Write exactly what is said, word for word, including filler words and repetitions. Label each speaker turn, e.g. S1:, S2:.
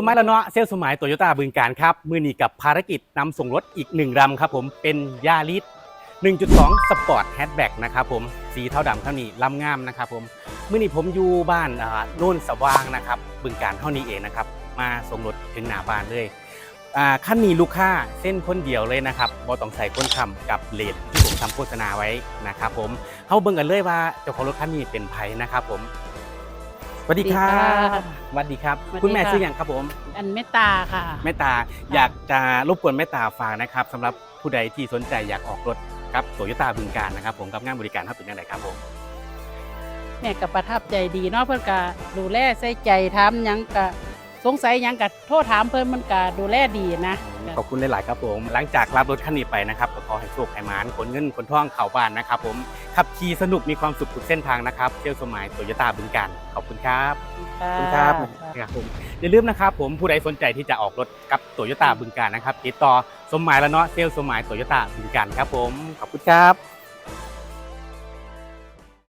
S1: สมัยแล้วเนาะเซลล์สมัยโตโยต้าบึงกาฬครับมือนี้กับภารกิจนำส่งรถอีกหนึ่งลำครับผมเป็นยาริส หนึ่งจุดสอง สปอร์ตแฮชแบ็กนะครับผมสีเทาดำเท่านี้ลำงามนะครับผมมือนี้ผมอยู่บ้านโน่นสว่างนะครับบึงกาฬเท่านี้เองนะครับมาส่งรถถึงหน้าบ้านเลยขั้นนี้ลูกค้าเส้นคนเดียวเลยนะครับบอต้องใส่คนทำกับเลดที่ผมทำโฆษณาไว้นะครับผมเข้าเบิ่งกันเลยว่าเจ้าของรถคันนี้เป็นไผนะครับผมสวัสดีครับสวัสดีครับคุณแม่ชื่ออย่างครับผม
S2: อันเมตตาค่ะ
S1: เมตตาอยากจะรบกวนเมตตาฝากนะครับสำหรับผู้ใดที่สนใจอยากออกรถกับโตโยต้าบึงกาฬนะครับผมกับงานบริการเขาเป็นยังไงครับผม
S2: แม่ก็ประทับใจดีเนาะเพื่อนก็ดูแลใส่ใจถามยังก็สงสัยยังก็โทษถามเพื่อนมันก็ดูแลดีนะ
S1: ขอบคุณหลายๆครับผมหลังจากรับรถคันนี้ไปนะครับก็ขอให้โชคให้มานขนเงินขนทองเข้าบ้านนะครับผมขับขี่สนุกมีความสุขทุกเส้นทางนะครับเที่ยวสมัยโตโยต้าบึงกาฬขอบคุณครับขอบคุณครับครับผมอย่าลืมนะครับผมผู้ใดสนใจที่จะออกรถกับโตโยต้าบึงกาฬนะครับติดต่อสมหมายแล้วเนาะเซลล์สมหมายโตโยต้าบึงกาฬครับผมขอบคุณครับ